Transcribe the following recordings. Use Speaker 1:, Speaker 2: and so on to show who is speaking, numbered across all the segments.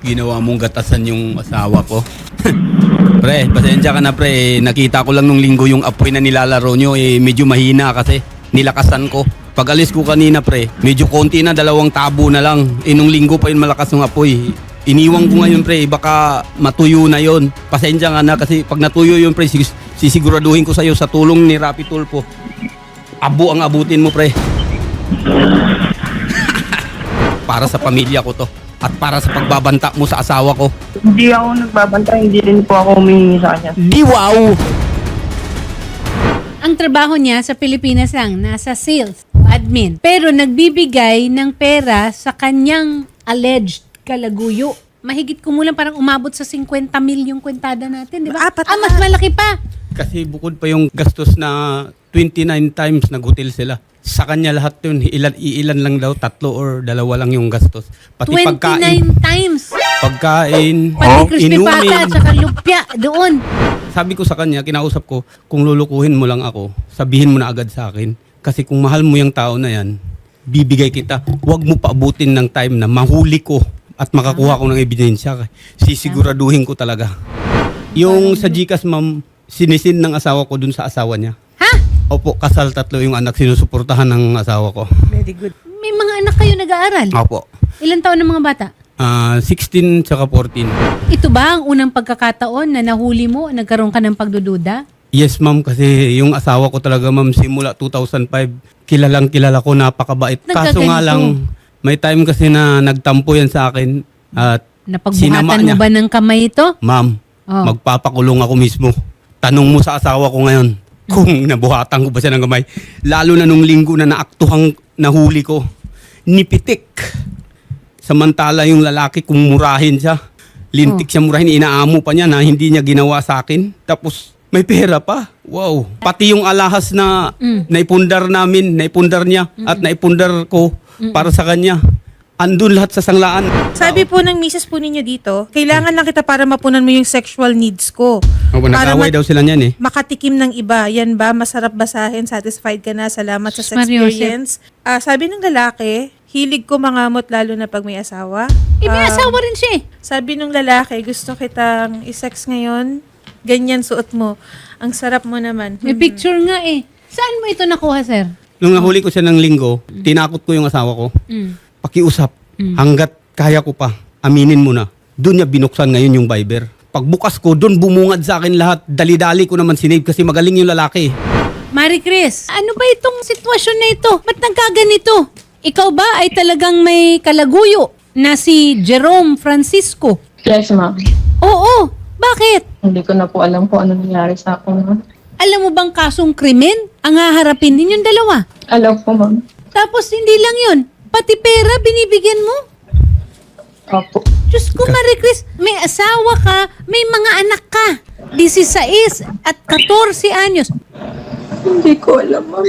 Speaker 1: Ginawa mong gatasan yung asawa ko. Pre, pasensya ka na pre. Nakita ko lang nung linggo yung apoy na nilalaro nyo. Medyo mahina kasi. Nilakasan ko. Pag alis ko kanina pre, medyo konti na, 2 tabo na lang. Nung linggo pa yun malakas ng apoy. Iniwang ko ngayon pre, baka matuyo na yon. Pasensya nga na kasi pag natuyo yun pre, sisiguraduhin ko sa'yo sa tulong ni Rapi Tulfo. Abo ang abutin mo pre. Para sa pamilya ko to. At para sa pagbabanta mo sa asawa ko.
Speaker 2: Hindi ako nagbabanta, hindi rin po ako humihingi sa kanya.
Speaker 1: Di wow!
Speaker 3: Ang trabaho niya sa Pilipinas lang, nasa sales, admin. Pero nagbibigay ng pera sa kanyang alleged kalaguyo. Mahigit kumulang parang umabot sa 50 mil yung kwentada natin, di ba? Mas malaki pa.
Speaker 1: Kasi bukod pa yung gastos na 29 times nag-hotel sila. Sa kanya lahat yun, ilan lang daw, 3 or 2 lang yung gastos. Pati
Speaker 3: 29
Speaker 1: pagkain,
Speaker 3: times.
Speaker 1: pagkain,
Speaker 3: Pati crispy pata
Speaker 1: inumin.
Speaker 3: at saka lupya doon.
Speaker 1: Sabi ko sa kanya, kinausap ko, kung lulukuhin mo lang ako, sabihin mo na agad sa akin. Kasi kung mahal mo yung tao na yan, bibigay kita. Huwag mo paabutin ng time na mahuli ko at makakuha ko ng ebidensya. Sisiguraduhin ko talaga. Yung sa GCash, ma'am, sinisin ng asawa ko dun sa asawa niya.
Speaker 3: Ha?
Speaker 1: Opo, kasal 3 yung anak, sinusuportahan ng asawa ko.
Speaker 3: Very good. May mga anak kayo nag-aaral?
Speaker 1: Opo.
Speaker 3: Ilan taon ng mga bata?
Speaker 1: 16 tsaka 14.
Speaker 3: Ito ba ang unang pagkakataon na nahuli mo, nagkaroon ka ng pagdududa?
Speaker 1: Yes, ma'am, kasi yung asawa ko talaga, ma'am, simula 2005, kilala ko, napakabait. Kaso nga
Speaker 3: Nagkaganito.
Speaker 1: lang, may time kasi na nagtampo yan sa akin at sinama
Speaker 3: Napagbuhatan mo
Speaker 1: niya.
Speaker 3: ba ng kamay ito?
Speaker 1: Ma'am,
Speaker 3: Oh.
Speaker 1: magpapakulong ako mismo. Tanong mo sa asawa ko ngayon kung nabuhatan ko ba siya ng kamay. Lalo na nung linggo na naaktuhang nahuli ko, nipitik. Samantala yung lalaki kung murahin siya, lintik siya murahin, inaamo pa niya na hindi niya ginawa sa akin. Tapos may pera pa. Wow. Pati yung alahas na naipundar namin, naipundar niya at naipundar ko para sa kanya. Andun lahat sa sanglaan.
Speaker 4: Sabi po ng misis po ninyo dito, kailangan lang kita para mapunan mo yung sexual needs ko. Para
Speaker 1: Nag-away daw sila niyan eh.
Speaker 4: makatikim ng iba. Yan ba? Masarap basahin? Satisfied ka na? Salamat sa
Speaker 3: Sus, Mario
Speaker 4: experience. Sabi ng lalaki, hilig ko mangamot lalo na pag may asawa.
Speaker 3: May asawa rin siya eh.
Speaker 4: Sabi ng lalaki, gusto kitang isex ngayon. Ganyan suot mo. Ang sarap mo naman.
Speaker 3: May picture nga eh. Saan mo ito nakuha, sir?
Speaker 1: Nung nahuli ko siya ng linggo, tinakot ko yung asawa ko. Pakiusap, hanggat kaya ko pa, aminin mo na. Doon niya binuksan ngayon yung Viber. Pagbukas ko, doon bumungad sa akin lahat. Dali-dali ko naman sinave kasi magaling yung lalaki.
Speaker 3: Marie Chris, ano ba itong sitwasyon na ito? Ba't nagkaganito? Ikaw ba ay talagang may kalaguyo na si Jerome Francisco?
Speaker 5: Yes, ma'am.
Speaker 3: Oo, bakit?
Speaker 5: Hindi ko na po alam kung ano nangyari sa akin, ma'am.
Speaker 3: Alam mo bang kasong krimen ang haharapin ninyong dalawa?
Speaker 5: Alam ko, ma'am.
Speaker 3: Tapos hindi lang yun, pati pera binibigyan mo?
Speaker 5: Opo.
Speaker 3: Diyos ko, Marie Chris, may asawa ka, may mga anak ka. 16 at 14 anyos.
Speaker 5: Hindi ko alam, ma'am.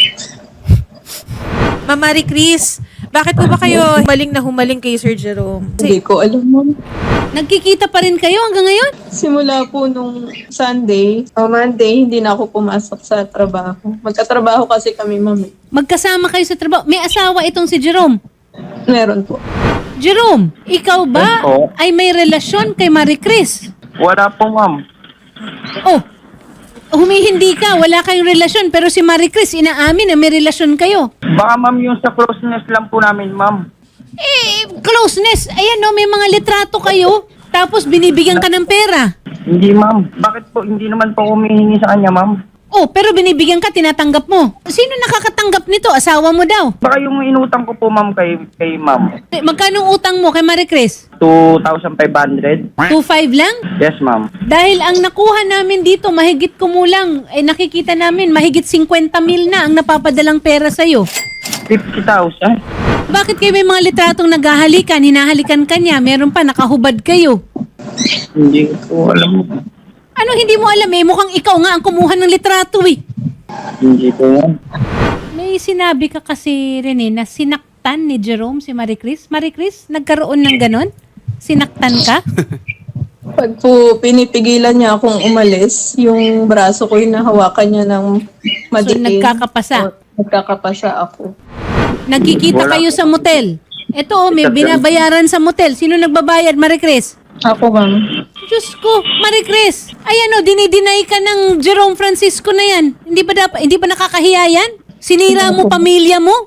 Speaker 4: Ma'am Marie Chris, bakit po ba kayo humaling kay Sir Jerome?
Speaker 5: Hindi ko alam, ma'am.
Speaker 3: Nagkikita pa rin kayo hanggang ngayon?
Speaker 5: Simula po nung Sunday, Monday, hindi na ako pumasok sa trabaho. Magkatrabaho kasi kami, ma'am.
Speaker 3: Magkasama kayo sa trabaho. May asawa itong si Jerome.
Speaker 5: Meron po.
Speaker 3: Jerome, ikaw ba
Speaker 2: Yes po.
Speaker 3: ay may relasyon kay Marie Chris?
Speaker 2: Wala po, ma'am.
Speaker 3: Oh, humihindi ka, wala kayong relasyon, pero si Marie Chris inaamin na may relasyon kayo.
Speaker 2: Baka, ma'am, yung sa closeness lang po namin, ma'am.
Speaker 3: Closeness, ayan no, may mga litrato kayo, tapos binibigyan ka ng pera.
Speaker 2: Hindi, ma'am. Bakit po? Hindi naman po humihingi sa kanya, ma'am.
Speaker 3: Oh, pero binibigyan ka, tinatanggap mo. Sino nakakatanggap nito? Asawa mo daw.
Speaker 2: Baka yung inutang ko po, ma'am, kay ma'am.
Speaker 3: Magkano utang mo kay Marie Chris?
Speaker 2: 2,500.
Speaker 3: 2.5 lang?
Speaker 2: Yes, ma'am.
Speaker 3: Dahil ang nakuha namin dito, mahigit kumulang, nakikita namin, mahigit 50 mil na ang napapadalang pera sa'yo.
Speaker 2: 50,000.
Speaker 3: Bakit kayo may mga litratong naghahalikan, hinahalikan ka niya, meron pa, nakahubad kayo?
Speaker 2: Hindi ko alam.
Speaker 3: Ano hindi mo alam eh, mukhang ikaw nga ang kumuha ng litrato eh.
Speaker 2: Hindi ko yan.
Speaker 3: May sinabi ka kasi Rene na sinaktan ni Jerome si Marie Chris. Marie Chris, nagkaroon ng ganon? Sinaktan ka?
Speaker 5: Pag po pinipigilan niya akong umalis, yung braso ko yung nahawakan niya ng
Speaker 3: So
Speaker 5: madilim.
Speaker 3: nagkakapasa.
Speaker 5: O, nagkakapasa ako.
Speaker 3: Nagkikita
Speaker 2: Wala.
Speaker 3: kayo sa motel. Ito, may binabayaran sa motel. Sino nagbabayad, Marie Chris?
Speaker 5: Ako, ma'am.
Speaker 3: Diyos ko, Marie Chris. Ayan o, dinideny ka ng Jerome Francisco na yan. Hindi ba nakakahiya yan? Sinira mo pamilya mo?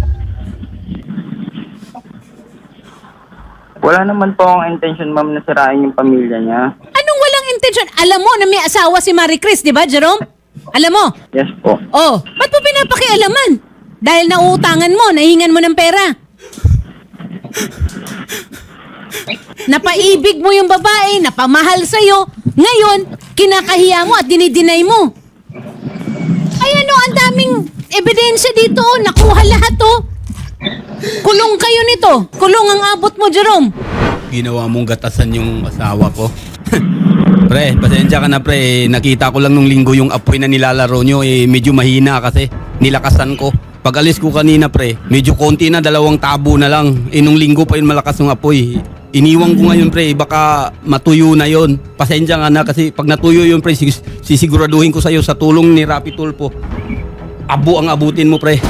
Speaker 2: Wala naman po akong intention, ma'am, na sirain yung pamilya niya.
Speaker 3: Anong walang intention? Alam mo na may asawa si Marie Chris, di ba, Jerome? Alam mo?
Speaker 2: Yes po.
Speaker 3: Oh, ba't mo pinapakialaman? Dahil nauutangan mo, nahingan mo ng pera. Napaibig mo yung babae, napamahal sa'yo. Ngayon, kinakahiya mo at dinideny mo. Ay ano, ang daming ebidensya dito. Oh. Nakuha lahat oh. Kulong kayo nito. Kulong ang abot mo, Jerome.
Speaker 1: Ginawa mong gatasan yung asawa ko. Pre, pasensya ka na pre. Nakita ko lang nung linggo yung apoy na nilalaro nyo. Medyo mahina kasi. Nilakasan ko. Pag alis ko kanina pre, medyo konti na, 2 tabo na lang. Nung linggo pa yun malakas yung apoy. Iniwang ko ngayon pre, baka matuyo na yon. Pasensya nga na kasi pag natuyo yun pre, sisiguraduhin ko sa'yo sa tulong ni Rapi Tulfo. Abo ang abutin mo pre.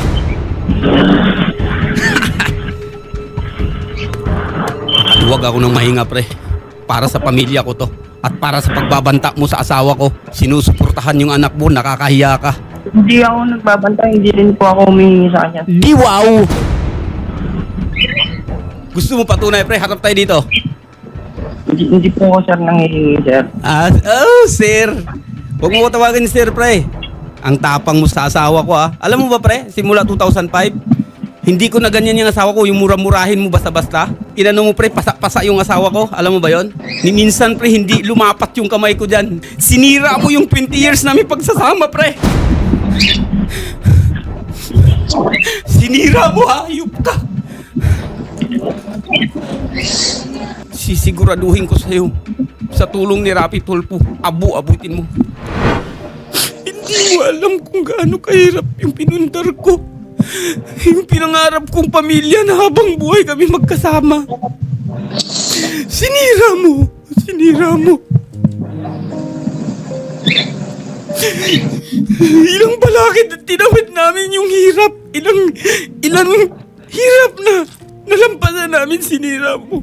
Speaker 1: Huwag ako ng mahinga pre. Para sa pamilya ko to. At para sa pagbabanta mo sa asawa ko. Sinusuportahan yung anak mo, nakakahiya ka.
Speaker 2: Hindi ako nagbabantay, hindi rin po ako humihingi sa kanya.
Speaker 1: Di wow! Gusto mo patunay pre, harap tayo dito.
Speaker 2: Hindi po ako, sir, nanghihingi, sir.
Speaker 1: Sir. Huwag mo ko tawagin sir pre. Ang tapang mo sa asawa ko Alam mo ba pre, simula 2005, hindi ko na ganyan yung asawa ko, yung mura-murahin mo basta-basta. Inano mo pre, pasa-pasa yung asawa ko. Alam mo ba yon? Minsan pre, hindi lumapat yung kamay ko dyan. Sinira mo yung 20 years namin pagsasama pre. Sinira mo hayop ka. Sisiguraduhin ko sa'yo sa tulong ni Rapi Tulfo, abutin mo. Hindi mo alam kung gaano kahirap yung pinundar ko. Yung pinangarap kong pamilya na habang buhay kami magkasama. Sinira mo. Ilang balakid at tinawid namin yung hirap. Ilang hirap na nalampasan namin, sinira mo.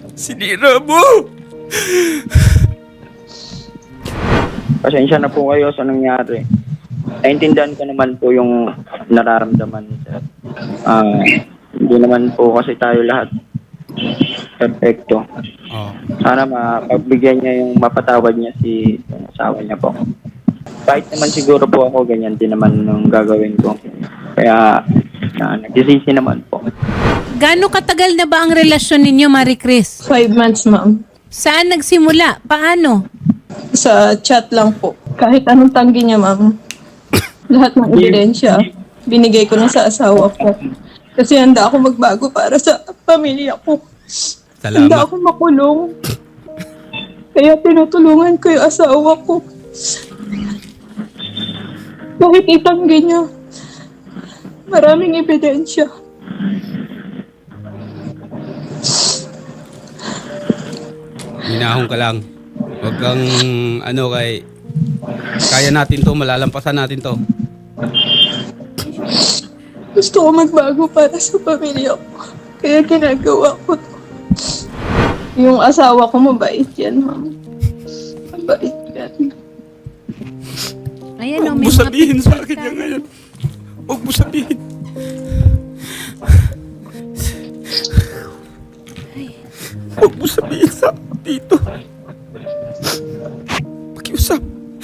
Speaker 2: Pasensya na po kayo sa nangyari. Naintindihan ko naman po yung nararamdaman, sir. Hindi naman po kasi tayo lahat perfecto. Sana mapagbigyan niya yung mapatawad niya si asawa niya po. Kahit naman siguro po ako, ganyan din naman yung gagawin ko. Kaya nagsisisi naman po.
Speaker 3: Gaano katagal na ba ang relasyon ninyo, Marie Chris?
Speaker 5: 5 months, ma'am.
Speaker 3: Saan nagsimula? Paano?
Speaker 5: Sa chat lang po. Kahit anong tanggi niya, ma'am. Lahat ng ebidensya, binigay ko na sa asawa ko. Kasi handa ako magbago para sa pamilya ko. Handa
Speaker 1: Salamat.
Speaker 5: ako makulong. Kaya tinutulungan ko yung asawa ko. Kahit itanggi niya. Maraming ebidensya.
Speaker 1: Minahon ka lang. Huwag kang kaya natin to, malalampasan natin to.
Speaker 5: Gusto ko magbago para sa pamilya ko. Kaya ginagawa ko to. Yung asawa ko mabait yan, ma'am. Mabait yan.
Speaker 3: Ayan o,
Speaker 1: Huwag
Speaker 3: may
Speaker 1: mo
Speaker 3: mga
Speaker 1: sabihin sa akin
Speaker 3: pictures
Speaker 1: yan
Speaker 3: tayo.
Speaker 1: ngayon. Huwag mo sabihin. Huwag mo sabihin sa akin dito. Pakiusap.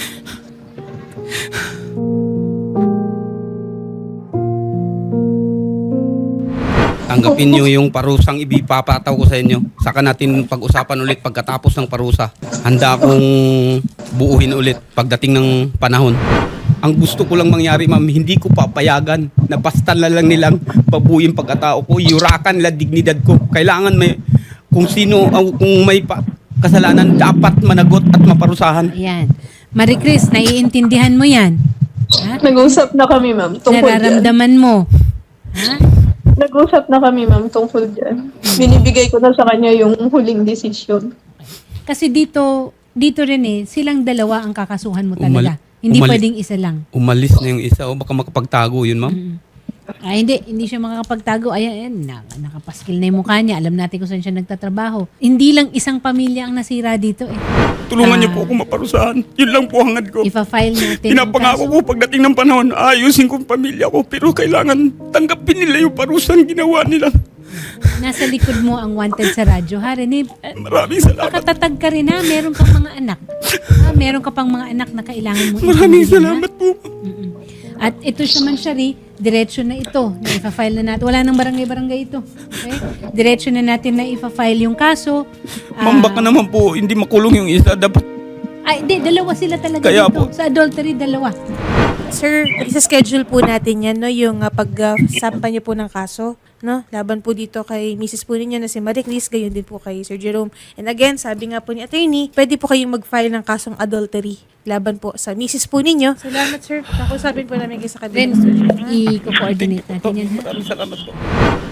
Speaker 1: Tanggapin niyo yung parusang ibipapataw ko sa inyo. Saka natin pag-usapan ulit pagkatapos ng parusa. Handa akong buuhin ulit pagdating ng panahon. Ang gusto ko lang mangyari, ma'am, hindi ko papayagan na basta na lang nilang pabuyin pagkatao ko, yurakan nila dignidad ko. Kailangan may, kung may kasalanan, dapat managot at maparusahan.
Speaker 3: Ayan. Marie Chris, naiintindihan mo yan? Ha?
Speaker 5: Nag-usap na kami, ma'am, tungkol dyan.
Speaker 3: Nararamdaman mo? Ha?
Speaker 5: Nag-usap na kami, ma'am, tungkol dyan. Binibigay ko na sa kanya yung huling desisyon.
Speaker 3: Kasi dito rin silang dalawa ang kakasuhan mo talaga. Hindi pwedeng isa lang.
Speaker 1: Umalis na yung isa o baka makapagtago yun, ma'am.
Speaker 3: Hindi siya makakapagtago. Ayan, nakapaskil na yung mukha niya. Alam natin kung saan siya nagtatrabaho. Hindi lang isang pamilya ang nasira dito eh.
Speaker 1: Tulungan niyo po ako maparusahan. Yun lang po hangad ko.
Speaker 3: Ipa-file natin yung
Speaker 1: Pinapangako
Speaker 3: kaso.
Speaker 1: ko pagdating ng panahon, ayusin ko ang pamilya ko. Pero kailangan tanggapin nila yung parusang ginawa nila.
Speaker 3: Nasa likod mo ang wanted sa radyo. Ha, Rene?
Speaker 1: Maraming salamat.
Speaker 3: Nakatatag ka rin ha. Meron kang mga anak. Meron ka pang mga anak na kailangan mo.
Speaker 1: Maraming
Speaker 3: intindi, ha?
Speaker 1: salamat po.
Speaker 3: At ito siya man, Shari, diretso na ito. Na ipa-file na natin. Wala nang barangay-barangay ito. Okay? Diretso na natin na ipa-file yung kaso.
Speaker 1: Ma'am, baka naman po, hindi makulong yung isa. Dapat
Speaker 3: Hindi. Dalawa sila talaga
Speaker 1: Kaya
Speaker 3: dito.
Speaker 1: po.
Speaker 3: Sa adultery, dalawa.
Speaker 4: Sir, isa-schedule po natin yan, no? Yung pag-sampa niyo po ng kaso, no? Laban po dito kay Mrs. po ninyo na si Marie Chris, gayon din po kay Sir Jerome. And again, sabi nga po ni attorney, pwede po kayong mag-file ng kasong adultery laban po sa Mrs. po ninyo. Salamat, sir. Nakusapin po namin kayo sa kabila.
Speaker 3: Then, i-coordinate natin yan. Ha?
Speaker 1: maraming salamat po.